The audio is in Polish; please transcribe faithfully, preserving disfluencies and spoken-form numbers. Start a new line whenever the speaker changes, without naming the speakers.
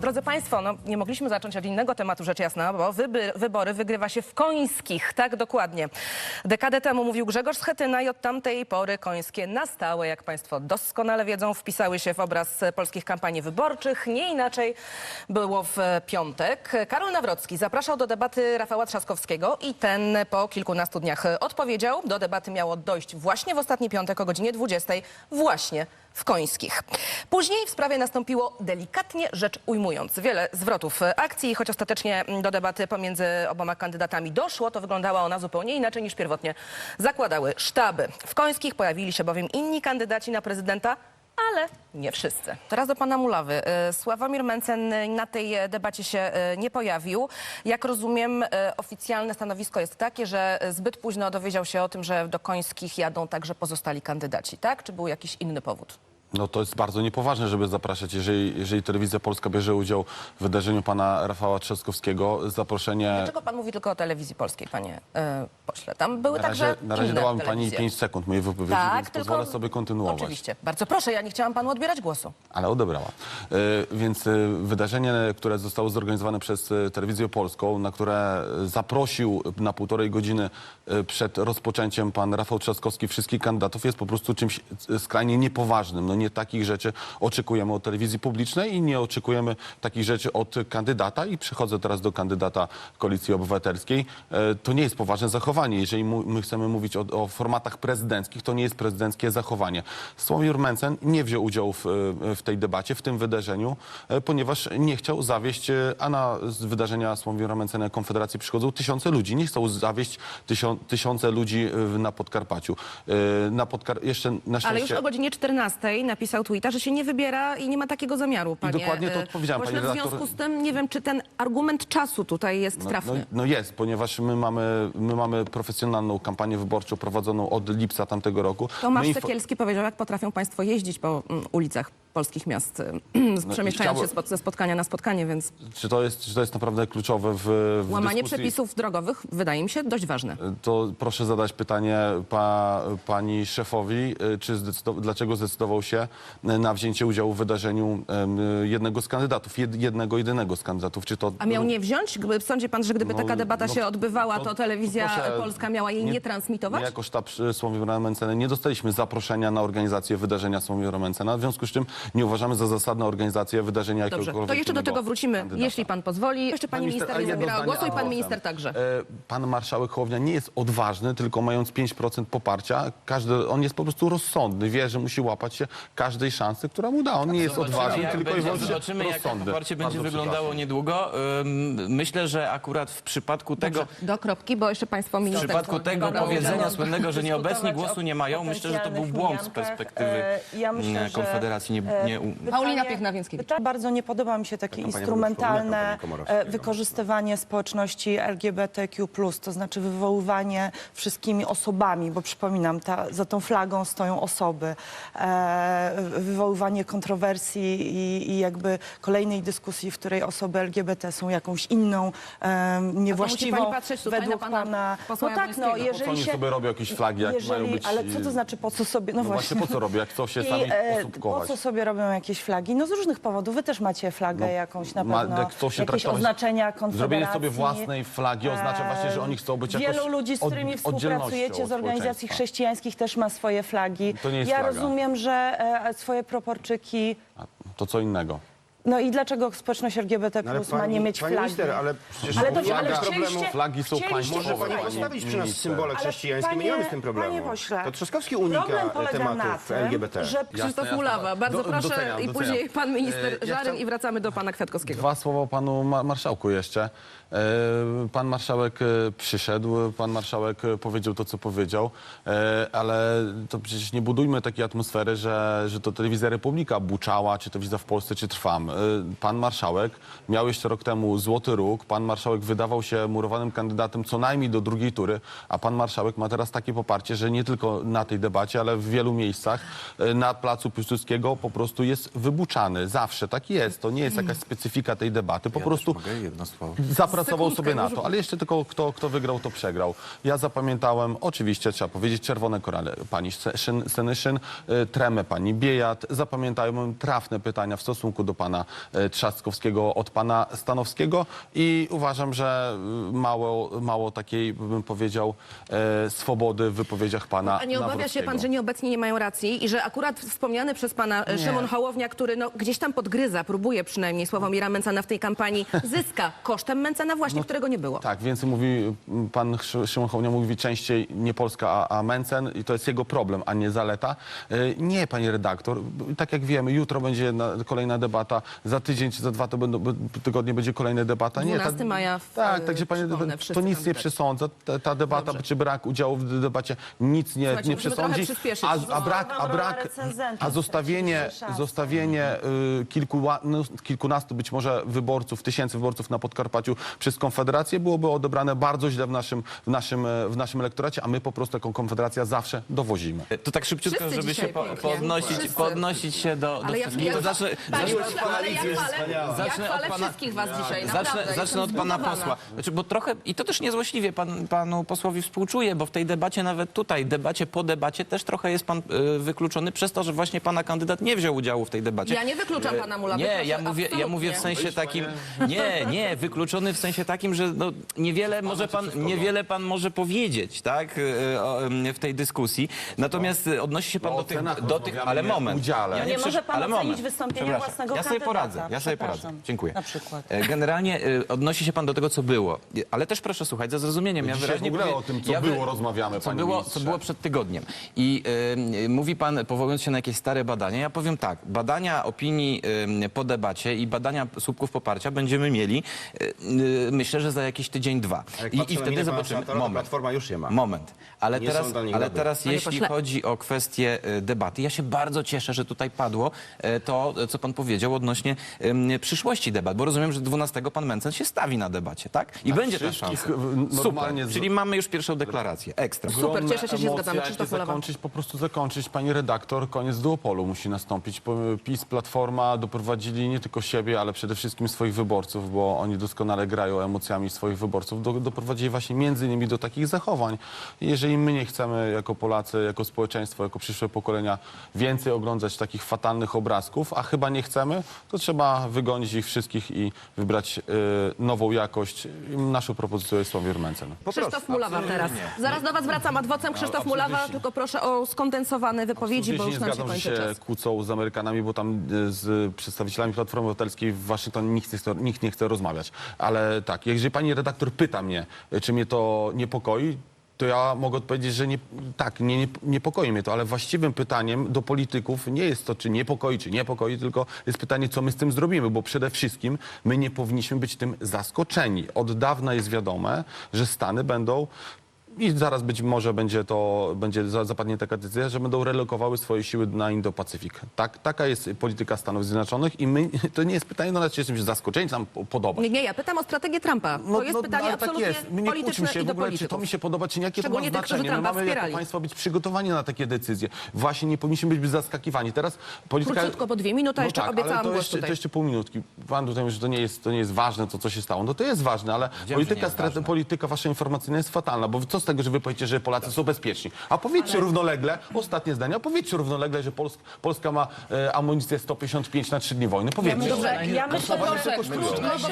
Drodzy Państwo, no, nie mogliśmy zacząć od innego tematu, rzecz jasna, bo wyby, wybory wygrywa się w Końskich, tak dokładnie. Dekadę temu mówił Grzegorz Schetyna i od tamtej pory Końskie na stałe, jak Państwo doskonale wiedzą, wpisały się w obraz polskich kampanii wyborczych. Nie inaczej było w piątek. Karol Nawrocki zapraszał do debaty Rafała Trzaskowskiego i ten po kilkunastu dniach odpowiedział. Do debaty miało dojść właśnie w ostatni piątek o godzinie dwudziestej, właśnie w Końskich. Później w sprawie nastąpiło, delikatnie rzecz ujmując, wiele zwrotów akcji. Choć ostatecznie do debaty pomiędzy oboma kandydatami doszło, to wyglądała ona zupełnie inaczej niż pierwotnie zakładały sztaby. W Końskich pojawili się bowiem inni kandydaci na prezydenta, ale nie wszyscy. Teraz do pana Mulawy. Sławomir Mencen na tej debacie się nie pojawił. Jak rozumiem, oficjalne stanowisko jest takie, że zbyt późno dowiedział się o tym, że do Końskich jadą także pozostali kandydaci, tak? Czy był jakiś inny powód?
No to jest bardzo niepoważne, żeby zapraszać, jeżeli, jeżeli Telewizja Polska bierze udział w wydarzeniu pana Rafała Trzaskowskiego, zaproszenie...
Dlaczego pan mówi tylko o Telewizji Polskiej, panie e, pośle? Tam były
Na razie,
także
na razie
inne
dała mi pani
telewizje.
pięć sekund mojej wypowiedzi,
Tak,
więc
tylko...
pozwolę sobie kontynuować.
Oczywiście. Bardzo proszę, ja nie chciałam panu odbierać głosu.
Ale odebrała. E, więc e, wydarzenie, które zostało zorganizowane przez e, Telewizję Polską, na które zaprosił na półtorej godziny e, przed rozpoczęciem pan Rafał Trzaskowski wszystkich kandydatów, jest po prostu czymś skrajnie niepoważnym. No nie takich rzeczy oczekujemy od telewizji publicznej i nie oczekujemy takich rzeczy od kandydata. I przechodzę teraz do kandydata Koalicji Obywatelskiej. E, to nie jest poważne zachowanie. Jeżeli mu, my chcemy mówić o, o formatach prezydenckich, to nie jest prezydenckie zachowanie. Sławomir Mencen nie wziął udziału w, w tej debacie, w tym wydarzeniu, e, ponieważ nie chciał zawieść, e, a na z wydarzenia Sławomira Mencena Konfederacji przychodzą tysiące ludzi. Nie chciał zawieść tysią, tysiące ludzi e, na Podkarpaciu. E, na Podkar jeszcze na szczęście...
Ale już o godzinie czternastej napisał tweeta, że się nie wybiera i nie ma takiego zamiaru, panie.
I dokładnie to odpowiedziałem,
pośle.
pani
W
redaktor.
związku z tym nie wiem, czy ten argument czasu tutaj jest
No,
trafny.
no, no jest, ponieważ my mamy, my mamy profesjonalną kampanię wyborczą prowadzoną od lipca tamtego roku.
Tomasz
My
Sekielski powiedział, jak potrafią państwo jeździć po mm, ulicach polskich miast,
No
przemieszczając
chciałbym-
się spod, ze spotkania na spotkanie, więc
Czy to jest, czy to jest naprawdę kluczowe w, w
łamanie
dyskusji?
przepisów drogowych wydaje mi się dość ważne.
To proszę zadać pytanie pa, pani szefowi, czy zdecydow- dlaczego zdecydował się na wzięcie udziału w wydarzeniu em, jednego z kandydatów, jed, jednego, jedynego z kandydatów. Czy to...
A miał nie wziąć? Gdyby- Sądzi pan, że gdyby
No,
taka debata
no,
się odbywała, to,
to-
telewizja
to proszę,
polska miała jej nie, transmitować?
My jako sztab Sławomira Mencena nie dostaliśmy zaproszenia na organizację wydarzenia Sławomira Mencena, w związku z czym nie uważamy za zasadną organizację wydarzenia
Dobrze,
jakiegokolwiek
to jeszcze do
innego
tego wrócimy,
kandydata.
jeśli pan pozwoli. Jeszcze pani minister
ale
nie
jedno
zabierała
zdanie
głosu i pan
ad
minister
vocem.
także.
E, Pan marszałek Hołownia nie jest odważny, tylko mając pięć procent poparcia, każdy, on jest po prostu rozsądny, wie, że musi łapać się każdej szansy, która mu da. On nie jest odważny,
jak
tylko i
będzie,
wyłącznie
zobaczymy, jak to
rozsądny.
poparcie będzie
Bardzo
wyglądało
przepraszam.
niedługo. Ym, Myślę, że akurat w przypadku tego,
Do kropki, bo jeszcze państwo
w
minister...
przypadku tego
Dobra,
powiedzenia
dobra.
słynnego, że nieobecni
dyskutować
głosu
o
nie mają, myślę, że to był
potencjalnych
błąd z
mijankach.
perspektywy
E, ja myślę,
e,
że,
Konfederacji. Nie,
e,
nie, u-
pytanie-
Paulina Piechna-Więckiewicz.
pyta- Bardzo nie podoba mi się takie
Kampania
instrumentalne
wyborcza Komorowskiego.
e, wykorzystywanie społeczności L G B T Q plus, to znaczy wywoływanie wszystkimi osobami, bo przypominam, ta, za tą flagą stoją osoby, e, wywoływanie kontrowersji i, i jakby kolejnej dyskusji, w której osoby L G B T są jakąś inną, e, niewłaściwą
pani patrzeć tutaj
według
na pana
pana...
posła
No tak, no,
Jabłońskiego.
Po co
jeżeli
oni
się...
sobie robią jakieś flagi, jak
jeżeli,
mają być...
Ale co to znaczy, po co sobie...
No właśnie, po co robią, jak chcą się
I,
sami
e, po
osóbkować?
co sobie robią jakieś flagi? No z różnych powodów. Wy też macie flagę
No,
jakąś na
ma-
pewno,
jak chcą się
jakieś
traktować-
oznaczenia Konfederacji.
Zrobienie sobie własnej flagi oznacza właśnie, że oni chcą być jakoś
Wielu ludzi, z
od-
którymi
oddzielnością
współpracujecie
od
z organizacji
społeczeństwa.
chrześcijańskich też ma swoje flagi.
To nie jest
ja
flaga.
rozumiem, że e, swoje proporczyki...
A to co innego.
No i dlaczego społeczność L G B T
No ale
plus ma
pani-
nie mieć
pani
flagi?
minister, ale przecież
Ale to-
flaga-
ale
problemu...
chcieliście-
Flagi są
chcieliście-
państwowe.
Może pani
pani
postawić przy nas
minister.
symbole
Ale
chrześcijańskie, my nie mamy z tym problemu.
Panie pośle,
To Trzaskowski unika
problem polega na
tematów
tym,
L G B T.
że
Krzysztof
jasne.
Mulawa, bardzo
Do-
proszę
doceniam,
i
doceniam.
później pan minister
E, ja
Żaryn
chcę-
i wracamy do pana Kwiatkowskiego.
Dwa słowa panu ma marszałku jeszcze. E, Pan marszałek e, przyszedł, pan marszałek e, powiedział to, co powiedział, e, ale to przecież nie budujmy takiej atmosfery, że, że to Telewizja Republika buczała, czy Telewizja w Polsce, czy Trwam. E, Pan marszałek miał jeszcze rok temu złoty róg, pan marszałek wydawał się murowanym kandydatem co najmniej do drugiej tury, a pan marszałek ma teraz takie poparcie, że nie tylko na tej debacie, ale w wielu miejscach e, na placu Piłsudskiego po prostu jest wybuczany. Zawsze tak jest. To nie jest jakaś specyfika tej debaty. Po prostu zapracował
Sekundkę,
sobie na
może-
to, ale jeszcze tylko kto, kto wygrał, to przegrał. Ja zapamiętałem, oczywiście trzeba powiedzieć, czerwone korale pani Szyn- Senyszyn, y, tremę pani Biejat. Zapamiętałem trafne pytania w stosunku do pana pana e, Trzaskowskiego od pana Stanowskiego i uważam, że y, mało, mało takiej, bym powiedział, e, swobody w wypowiedziach pana
A nie obawia się
Nawrockiego.
pan, że nieobecni nie mają racji i że akurat wspomniany przez pana e, Szymon Hołownia, który no, gdzieś tam podgryza, próbuje przynajmniej Sławomira Mencena w tej kampanii, zyska kosztem Mencena właśnie, którego nie było.
Tak, więcej mówi, pan Szy- Szymon Hołownia mówi częściej nie Polska, a, a Mencen i to jest jego problem, a nie zaleta. Y, Nie, pani redaktor, tak jak wiemy, jutro będzie na, kolejna debata, za tydzień czy za dwa to będą, b- tygodnie będzie kolejna debata. Nie,
dwunastego maja w-
Tak, także pani,
przypomnę,
to
wszyscy
nic
tam
nie
być.
przesądza. Ta, ta debata,
Dobrze.
czy brak udziału w debacie nic nie,
Słuchajcie,
nie
musimy
przesądzi.
trochę przyspieszyć.
A, a
No,
brak, a
rola
brak,
recenzenta
a zostawienie,
straciliśmy szansę.
zostawienie y, kilku, no, kilkunastu być może wyborców, tysięcy wyborców na Podkarpaciu przez Konfederację byłoby odebrane bardzo źle w naszym, w naszym, e, w naszym elektoracie, a my po prostu jako Konfederacja zawsze dowozimy.
To tak szybciutko,
Wszyscy
żeby się
dzisiaj
po,
pięknie.
podnosić,
Wszyscy.
podnosić się do, do
Ale ja,
wszystkich.
ja,
To zacznę,
Panie
zacznę,
pośle, ale ja chwalę, ja
Zacznę
chwalę
od pana-
wszystkich was dzisiaj,
zacznę,
naprawdę.
zacznę od
Jestem
pana
zbudowana.
posła. Znaczy, bo trochę, i to też niezłośliwie pan, panu posłowi współczuję, bo w tej debacie, nawet tutaj, debacie po debacie, też trochę jest pan y, wykluczony przez to, że właśnie pana kandydat nie wziął udziału w tej debacie.
Ja nie wykluczam pana Mulawy,
Nie,
proszę,
ja mówię, ja
absolutnie.
mówię w sensie takim, nie, nie, wykluczony w sensie takim, że no, niewiele może pan, niewiele pan może powiedzieć, tak, y, o, y, w tej dyskusji. Natomiast y, odnosi się pan
No,
do
o
tych,
cenach
do tych, ale
rozmawiamy, nie
moment.
udziale.
Ja
Nie
przecież-
może pan
ale
ocenić
moment.
wystąpienia
Przepraszam.
własnego
Ja sobie
kandydata.
poradzę, ja sobie poradzę.
Przepraszam.
Dziękuję.
Na przykład.
E, Generalnie y, odnosi się pan do tego, co było. Y, Ale też proszę słuchać, za zrozumieniem. Ja
Dzisiaj
wyraźnie
w ogóle
powie-
o tym, co
ja wy-
było, rozmawiamy,
co
panie
było, co
ministrze.
było przed tygodniem. I y, y, mówi pan, powołując się na jakieś stare badania, ja powiem tak, badania opinii y, po debacie i badania słupków poparcia będziemy mieli, y, y, myślę, że za jakiś tydzień, dwa.
Jak
I,
patrzę
i
na
wtedy
minę pana
zobaczymy.
senatora, to
Moment.
Platforma już je ma.
Moment. Ale
Nie
teraz,
są dla nich
ale
dobre.
teraz
Panie
jeśli
pośle.
chodzi o kwestię y, debaty, ja się bardzo cieszę, że tutaj padło y, to, y, co pan powiedział odnośnie y, przyszłości debat, bo rozumiem, że dwunastego pan Mencen się stawi na debacie, tak? I będzie ta
wszystkich,
szansa.
y, normalnie
Super.
z-
Czyli mamy już pierwszą deklarację. Ekstra.
Super,
Ogromne
cieszę się, że się
emocje,
zgadzamy.
jak
Krzysztof
nie
Mulawa.
zakończyć, po prostu zakończyć, pani redaktor, koniec duopolu musi nastąpić. Po- PiS, Platforma doprowadzili nie tylko siebie, ale przede wszystkim swoich wyborców, bo oni doskonale grają emocjami swoich wyborców, do, doprowadzili właśnie między innymi do takich zachowań. I jeżeli my nie chcemy jako Polacy, jako społeczeństwo, jako przyszłe pokolenia więcej oglądać takich fatalnych obrazków, a chyba nie chcemy, to trzeba wygonić ich wszystkich i wybrać y, nową jakość. I naszą propozycją jest Sławomir Mencen.
Krzysztof Mulawa teraz. Zaraz do was wracam adwocem. Krzysztof Mulawa, tylko proszę o skondensowane wypowiedzi, bo
Absolutnie
już
nie
nam się
zgadzam, że
kończy
się
czas.
kłócą z Amerykanami, bo tam e, z przedstawicielami Platformy Obywatelskiej w Waszyngtonie nikt nie chce, nikt nie chce rozmawiać. Ale tak, jeżeli pani redaktor pyta mnie, e, czy mnie to niepokoi, to ja mogę odpowiedzieć, że nie, tak, nie, nie, niepokoi mnie to, ale właściwym pytaniem do polityków nie jest to, czy niepokoi, czy niepokoi, tylko jest pytanie, co my z tym zrobimy, bo przede wszystkim my nie powinniśmy być tym zaskoczeni. Od dawna jest wiadome, że Stany będą i zaraz być może będzie to, będzie za- zapadnie taka decyzja, że będą relokowały swoje siły na Indo-Pacyfik. Tak, taka jest polityka Stanów Zjednoczonych i my, to nie jest pytanie do nas, czy jesteśmy zaskoczeni, czy nam po- podoba.
Nie, nie, ja pytam o strategię Trumpa. To jest pytanie
ale tak
absolutnie
jest. My nie kłóćmy
polityczne
się
i
w
do
ogóle, czy to
polityków.
mi się podoba, czy nie, jakie to ma
Szczególnie tych, którzy
znaczenie. My
Trumpa
mamy jako
wspierali.
państwo być przygotowani na takie decyzje. Właśnie nie powinniśmy być zaskakiwani. Teraz polityka...
Króciutko, bo dwie minuty, a jeszcze
tak,
obiecałam
ale to
głos
jeszcze,
tutaj.
to jeszcze pół minutki. Pan tutaj mówi, że to nie jest, to nie jest ważne, to co się stało. No to jest ważne, ale
że
polityka,
nie jest
strate,
ważne.
polityka wasza informacyjna jest fatalna, bo co z tego, że wy powiecie, że Polacy są bezpieczni? A powiedzcie równolegle, ostatnie zdanie, a powiedzcie równolegle, że Pols Polska ma e, amunicję sto pięćdziesiąt pięć na trzy dni wojny. Powiedzcie.
Dobrze,
Ja myślę,
proszę,
że
krótko, bo